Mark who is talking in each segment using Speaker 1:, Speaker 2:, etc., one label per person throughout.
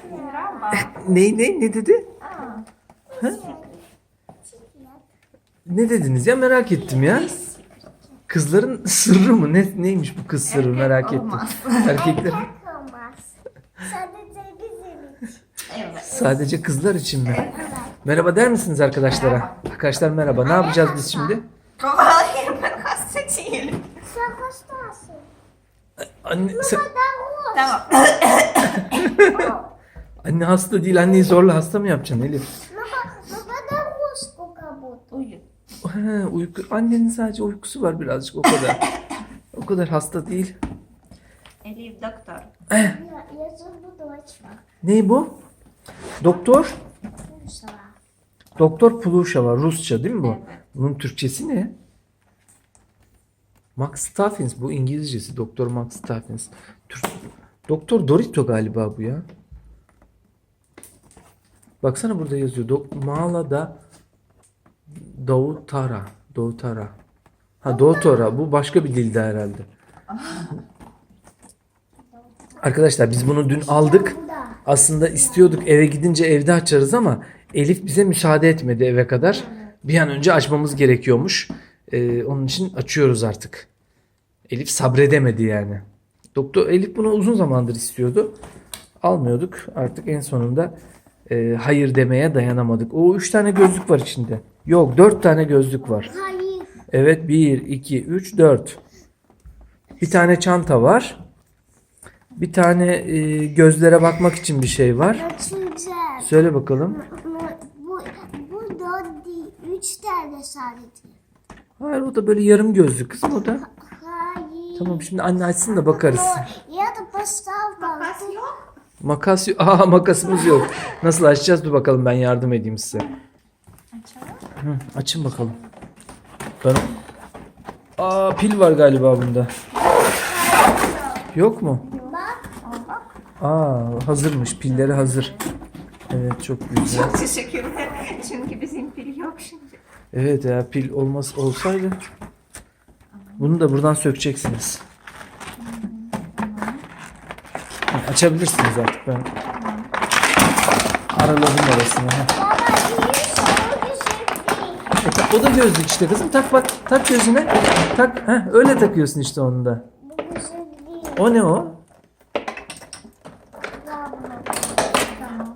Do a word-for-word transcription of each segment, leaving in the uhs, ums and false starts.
Speaker 1: Ne ne ne dedi? Ha? Ne dediniz ya, merak ettim ya. Kızların sırrı mı? Ne neymiş bu kız sırrı, merak ettim. Erkekler.
Speaker 2: Olmaz. Sadece bizim için.
Speaker 3: Evet.
Speaker 1: Sadece kızlar için mi? Merhaba der misiniz arkadaşlara? Arkadaşlar merhaba. Ne yapacağız biz şimdi?
Speaker 3: Hayır, ben hasta değilim.
Speaker 2: Sen hastasın.
Speaker 1: Anne, sen-
Speaker 2: Ben
Speaker 3: Tamam.
Speaker 1: anne hasta değil. Anneyi zorla hasta mı yapacaksın Elif?
Speaker 2: Baba, baba da rosku kabut.
Speaker 3: Uyu.
Speaker 1: He, uyku, annenin sadece uykusu var birazcık, o kadar. O kadar hasta değil.
Speaker 3: Elif doktor.
Speaker 2: Я, я зубы дочка.
Speaker 1: Ne bu? Doktor?
Speaker 2: Слушала.
Speaker 1: Doktor Pluşava, Rusça değil mi bu?
Speaker 3: Evet.
Speaker 1: Bunun Türkçesi ne? Max Staffins, bu İngilizcesi. Doktor Max Staffins. Türk... Doktor Dorito galiba bu ya. Baksana burada yazıyor. Dok Mala'da Davutara. Davutara. Ha Doutora. Bu başka bir dilde herhalde. Arkadaşlar biz bunu dün aldık. Aslında istiyorduk eve gidince evde açarız ama Elif bize müsaade etmedi eve kadar. Bir an önce açmamız gerekiyormuş. Ee, onun için açıyoruz artık. Elif sabredemedi yani. Doktor Elif bunu uzun zamandır istiyordu. Almıyorduk. Artık en sonunda e, hayır demeye dayanamadık. O üç tane gözlük var içinde. Yok, dört tane gözlük var.
Speaker 2: Hayır.
Speaker 1: Evet, bir, iki, üç, dört. Bir tane çanta var. Bir tane e, gözlere bakmak için bir şey var.
Speaker 2: Açacağım.
Speaker 1: Söyle bakalım.
Speaker 2: Bu, bu dört değil. Üç tane sadece.
Speaker 1: Hayır, o da böyle yarım gözlü kızım o da.
Speaker 2: Hayır.
Speaker 1: Tamam, şimdi anne açsın da bakarız.
Speaker 2: Я то поставила.
Speaker 3: Makas yok.
Speaker 1: Makas yok. Aa, makasımız yok. Nasıl açacağız? Dur bakalım, ben yardım edeyim size.
Speaker 3: Açalım.
Speaker 1: Hı, açın bakalım. Ben... Aa, pil var galiba bunda. Yok mu?
Speaker 2: Bak.
Speaker 3: Al bak.
Speaker 1: Aa, hazırmış. Pilleri hazır. Evet, çok güzel.
Speaker 3: Çok teşekkürler. Çünkü bizim pil yok şimdi.
Speaker 1: Evet ya, pil olmaz olsaydı. Bunu da buradan sökeceksiniz. Ha, açabilirsiniz artık, ben araladım arasını. Ha.
Speaker 2: Baba iyi soru güzel.
Speaker 1: E, ta- o da gözlük işte kızım. Tak bak, tak gözüne. Tak. Heh, öyle takıyorsun işte onu da.
Speaker 2: Bu güzel değil.
Speaker 1: O ne o?
Speaker 3: Tamam.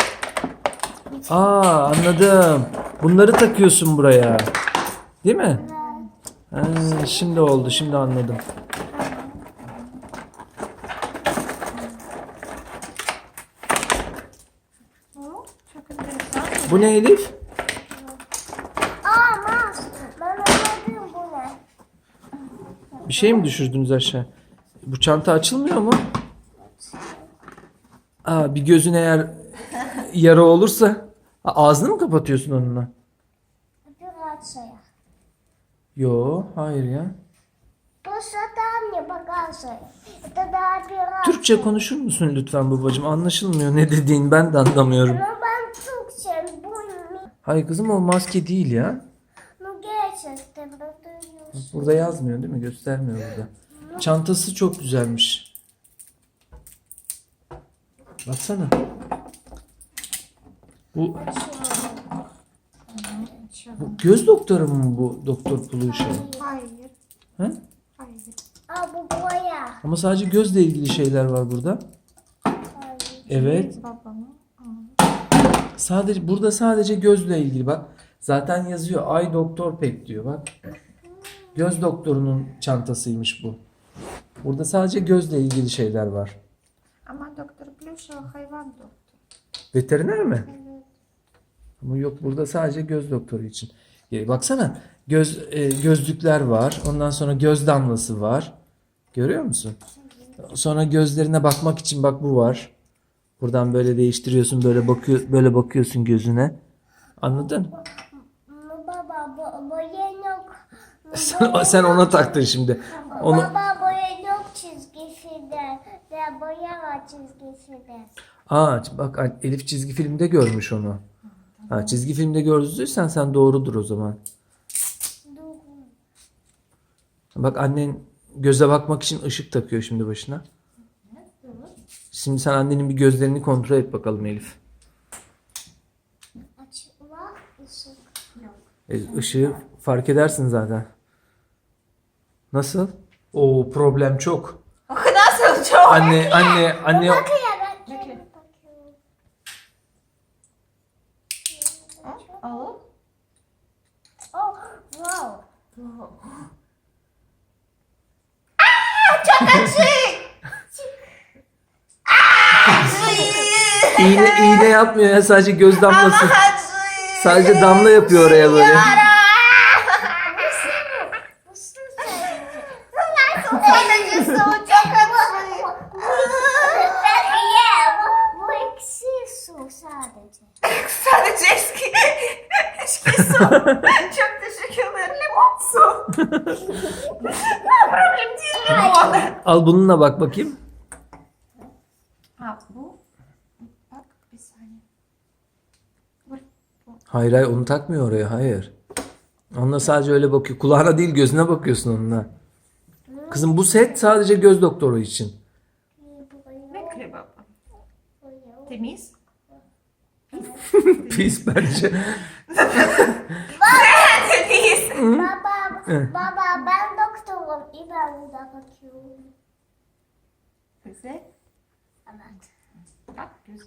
Speaker 1: Aa, anladım. Bunları takıyorsun buraya. Değil mi? Ha, şimdi oldu. Şimdi anladım.
Speaker 3: Bu çok enteresan.
Speaker 1: Bu ne Elif?
Speaker 2: Aa mas. Ben anladım bu ne.
Speaker 1: Bir şey mi düşürdünüz aşağı? Bu çanta açılmıyor mu? Aa, bir gözün eğer yara olursa. Aa, ağzını mı kapatıyorsun onunla?
Speaker 2: Операция.
Speaker 1: Yo, hayır ya.
Speaker 2: Просто там мне показывай. Это до операции.
Speaker 1: Türkçe konuşur musun lütfen babacığım? Anlaşılmıyor ne dediğin, ben de anlamıyorum.
Speaker 2: Ну ben Türkçe bu ne?
Speaker 1: Hayır kızım, o maske değil ya.
Speaker 2: Ну gerçekten ben duyuyorsun.
Speaker 1: Burada yazmıyor değil mi? Göstermiyor burada. Çantası çok güzelmiş. Baksana. Bu, bu göz doktoru mu bu Doktor Pluşa?
Speaker 3: Hayır.
Speaker 1: Ha?
Speaker 3: Hayır.
Speaker 2: Aa bu boya.
Speaker 1: Ama sadece gözle ilgili şeyler var burada.
Speaker 2: Hayır.
Speaker 1: Evet.
Speaker 3: Babamı.
Speaker 1: Sadece burada sadece gözle ilgili bak. Zaten yazıyor. Ay Doktor Pek diyor bak. Göz doktorunun çantasıymış bu. Burada sadece gözle ilgili şeyler var.
Speaker 3: Ama doktor Plüşov hayvan doktor.
Speaker 1: Veteriner mi?
Speaker 3: Evet.
Speaker 1: Ama yok, burada sadece göz doktoru için. Ya baksana, göz e, gözlükler var. Ondan sonra göz damlası var. Görüyor musun? Sonra gözlerine bakmak için bak bu var. Buradan böyle değiştiriyorsun, böyle bakıyor, böyle bakıyorsun gözüne. Anladın?
Speaker 2: Ну baba bo boya yok.
Speaker 1: Sen, sen ona taktın şimdi. Onu
Speaker 2: Baba boya yok çizgisinde. De boya var çizgisinde.
Speaker 1: Aa, bak Elif çizgi filmde görmüş onu. Ha, çizgi filmde gördüysen sen doğrudur o zaman.
Speaker 2: Dur.
Speaker 1: Bak annen göze bakmak için ışık takıyor şimdi başına. Şimdi sen annenin bir gözlerini kontrol et bakalım Elif.
Speaker 2: Açma ışık.
Speaker 3: Yok.
Speaker 1: E, ışığı fark edersin zaten. Nasıl? Oo, problem çok.
Speaker 3: Nasıl çok?
Speaker 1: Anne anne anne
Speaker 2: Bakıyor ben.
Speaker 3: Bekle.
Speaker 2: Bakıyorum.
Speaker 3: Al.
Speaker 2: Oh, wow.
Speaker 3: Çok açık.
Speaker 1: iğne iğne yapmıyor ya, sadece göz damlası.
Speaker 3: Açık.
Speaker 1: Sadece damla yapıyor oraya böyle.
Speaker 2: Bu su sadece.
Speaker 3: Sadece su çok açık.
Speaker 2: Ben ye. Bu, bu eksi su sadece.
Speaker 3: Sadece eski, eski su. Çok teşekkür ederim. Limon su. Problem değil limon.
Speaker 1: Al bununla bak bakayım.
Speaker 3: Ha bu. Bak bir saniye. Bu.
Speaker 1: Hayır hayır, onu takmıyor oraya, hayır. Onunla sadece öyle bakıyor. Kulağına değil, gözüne bakıyorsun onunla. Kızım bu set sadece göz doktoru için.
Speaker 3: Bekle baba. Temiz.
Speaker 1: Pis bence.
Speaker 3: Temiz.
Speaker 2: Baba, baba ben doktorum. İyi ben burada bakıyorum.
Speaker 3: Güzel.
Speaker 2: Evet.
Speaker 3: Bak güzel.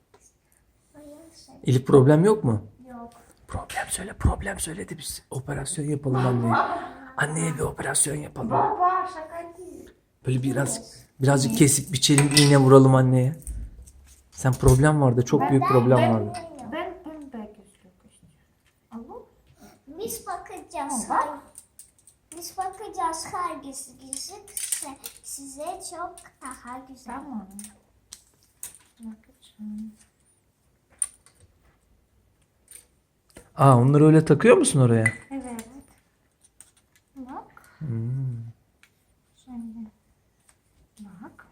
Speaker 1: Elif, problem yok mu?
Speaker 2: Yok.
Speaker 1: Problem söyle, problem söyle de biz operasyon yapalım anneye. Anneye bir operasyon yapalım.
Speaker 3: Baba şaka değil.
Speaker 1: Böyle biraz birazcık kesip biçelim, iğne vuralım anneye. Sen problem vardı, çok büyük problem vardı.
Speaker 3: Ben pembe gözlük istiyorum. Alo?
Speaker 2: Biz bakacağız.
Speaker 3: Tamam.
Speaker 2: Hangi- Biz bakacağız hangisi gözükse size çok daha güzel.
Speaker 3: Tamam. Bakacağım.
Speaker 1: Aa, onları öyle takıyor musun oraya?
Speaker 3: Evet. Bak.
Speaker 1: Hmm.
Speaker 3: Şimdi. Bak.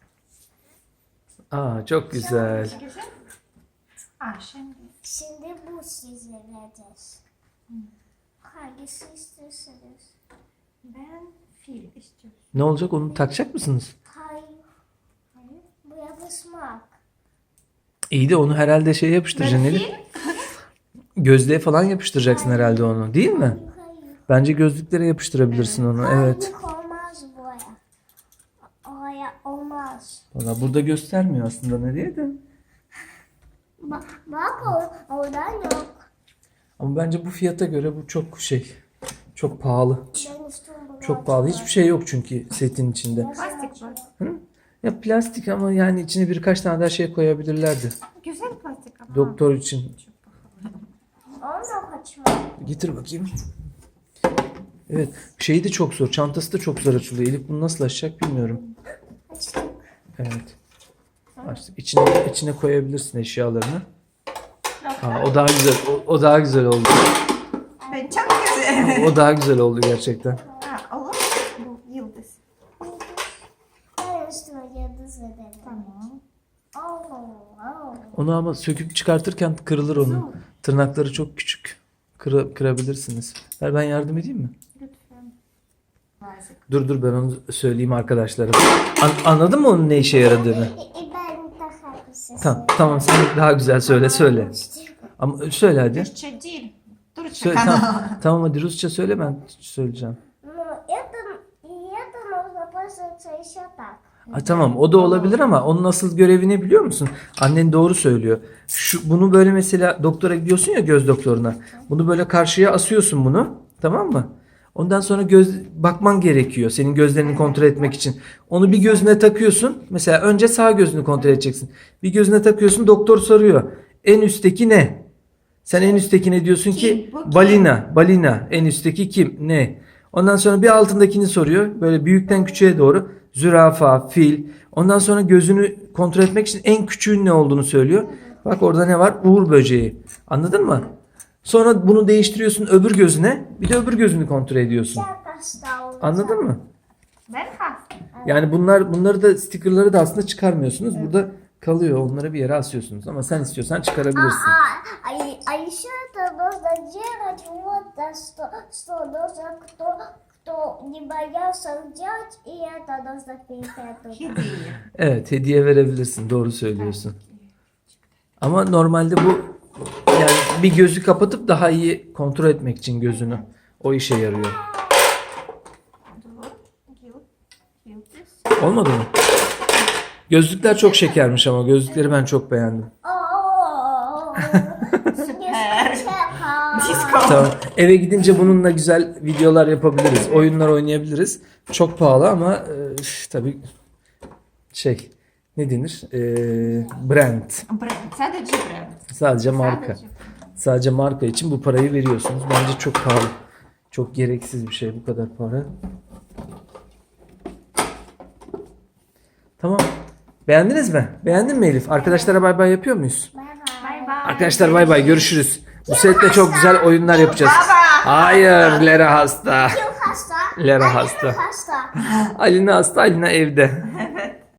Speaker 1: Aa, çok güzel.
Speaker 3: Güzel. Aa şimdi.
Speaker 2: Şimdi bu size vereceğiz. Hangisi istiyorsanız.
Speaker 3: Ben fil istiyorum.
Speaker 1: Ne olacak, onu takacak mısınız?
Speaker 2: Hayır.
Speaker 3: Hayır.
Speaker 2: Bu yapışmak.
Speaker 1: İyi de onu herhalde şey yapıştıracaksın
Speaker 3: Ben
Speaker 1: Elif.
Speaker 3: fil.
Speaker 1: Gözlüğe falan yapıştıracaksın herhalde onu, değil mi?
Speaker 2: Hayır, hayır.
Speaker 1: Bence gözlüklere yapıştırabilirsin onu, evet.
Speaker 2: Hayır, olmaz buraya. Oraya olmaz.
Speaker 1: Valla burada göstermiyor aslında nereye de.
Speaker 2: Bak, bak o, oradan yok.
Speaker 1: Ama bence bu fiyata göre bu çok şey, çok pahalı.
Speaker 2: Ben istiyorum bunu.
Speaker 1: Çok pahalı. Hiçbir şey yok çünkü setin içinde.
Speaker 3: Plastik var.
Speaker 1: Hı? Ya plastik ama yani içine birkaç tane daha şey koyabilirlerdi.
Speaker 3: Güzel plastik ama.
Speaker 1: Doktor için.
Speaker 2: Onu kaçma.
Speaker 1: Getir bakayım. Evet. Şeyi de çok zor. Çantası da çok zor açılıyor. Elif bunu nasıl açacak bilmiyorum.
Speaker 2: Açtık.
Speaker 1: Evet. Açtık. İçine, içine koyabilirsin eşyalarını. Aa, o daha güzel. O, o daha güzel oldu.
Speaker 3: Ben çok güzel.
Speaker 1: O daha güzel oldu gerçekten.
Speaker 3: Ha, olur. Bu yıldız.
Speaker 2: Ben üstüne yıldız ederim.
Speaker 3: Tamam.
Speaker 2: Oh, oh.
Speaker 1: Onu ama söküp çıkartırken kırılır onun. Tırnakları çok küçük. Kıra, kırabilirsiniz. Ver ben yardım edeyim mi?
Speaker 3: Lütfen. Nazik.
Speaker 1: Dur dur ben onu söyleyeyim arkadaşlara. An- anladın mı onun ne işe yaradığını?
Speaker 2: E, e, ben daha güzel.
Speaker 1: Tamam tamam, sen daha güzel söyle söyle. Ama söyle hadi.
Speaker 3: Türkçe değil. Türkçe
Speaker 1: Söyle,
Speaker 3: kanal.
Speaker 1: tamam, tamam hadi Rusça söyle, ben söyleyeceğim.
Speaker 2: Ну, это, и это нужно пользоваться еще так.
Speaker 1: Ha, tamam o da olabilir ama onun asıl görevi ne biliyor musun? Annen doğru söylüyor. Şu, bunu böyle mesela doktora gidiyorsun ya, göz doktoruna. Bunu böyle karşıya asıyorsun bunu, tamam mı? Ondan sonra göz bakman gerekiyor senin gözlerini kontrol etmek için. Onu bir gözüne takıyorsun. Mesela önce sağ gözünü kontrol edeceksin. Bir gözüne takıyorsun, doktor soruyor. En üstteki ne? Sen en üsttekine diyorsun ki
Speaker 3: Kim? Bu kim?
Speaker 1: balina, balina. En üstteki kim? Ne? Ondan sonra bir altındakini soruyor. Böyle büyükten küçüğe doğru. Zürafa, fil. Ondan sonra gözünü kontrol etmek için en küçüğün ne olduğunu söylüyor. Bak orada ne var? Uğur böceği. Anladın mı? Sonra bunu değiştiriyorsun öbür gözüne. Bir de öbür gözünü kontrol ediyorsun.
Speaker 2: Çok hasta olacak.
Speaker 1: Anladın mı?
Speaker 3: Ben hasta.
Speaker 1: Yani bunlar bunları da stickerları da aslında çıkarmıyorsunuz. Burada kalıyor. Onları bir yere asıyorsunuz. Ama sen istiyorsan çıkarabilirsin.
Speaker 2: А, а, а еще это нужно делать вот да, что, что нужно кто, то не боялся взять, и это нужно перепрятать.
Speaker 3: Hediye.
Speaker 1: Evet, hediye verebilirsin. Doğru söylüyorsun. Ama normalde bu yani bir gözü kapatıp daha iyi kontrol etmek için gözünü. O işe yarıyor.
Speaker 3: Dur. Yıl. Yıldız.
Speaker 1: Olmadı mı? Gözlükler çok şekermiş ama gözlükleri ben çok beğendim.
Speaker 2: О,
Speaker 3: Süper.
Speaker 2: Чека.
Speaker 3: Disco.
Speaker 1: Tamam. Eve gidince bununla güzel videolar yapabiliriz. Oyunlar oynayabiliriz. Çok pahalı ama e, tabii şey ne denir? E, brand.
Speaker 3: Бренд. Sadece brand.
Speaker 1: Sadece marka.
Speaker 3: Sadece.
Speaker 1: Sadece marka için bu parayı veriyorsunuz. Bence çok pahalı. Çok gereksiz bir şey bu kadar para. Tamam. Beğendiniz mi? Beğendin mi Elif? Arkadaşlara bay bay yapıyor muyuz?
Speaker 2: Bye bye.
Speaker 3: Bye bye.
Speaker 1: Arkadaşlar bay bay görüşürüz. Bu sette çok güzel oyunlar yapacağız.
Speaker 3: Baba.
Speaker 1: Hayır, Lera hasta.
Speaker 2: Kim hasta?
Speaker 1: Lera
Speaker 2: Annem
Speaker 1: hasta.
Speaker 2: hasta.
Speaker 1: Alina hasta, Alina evde.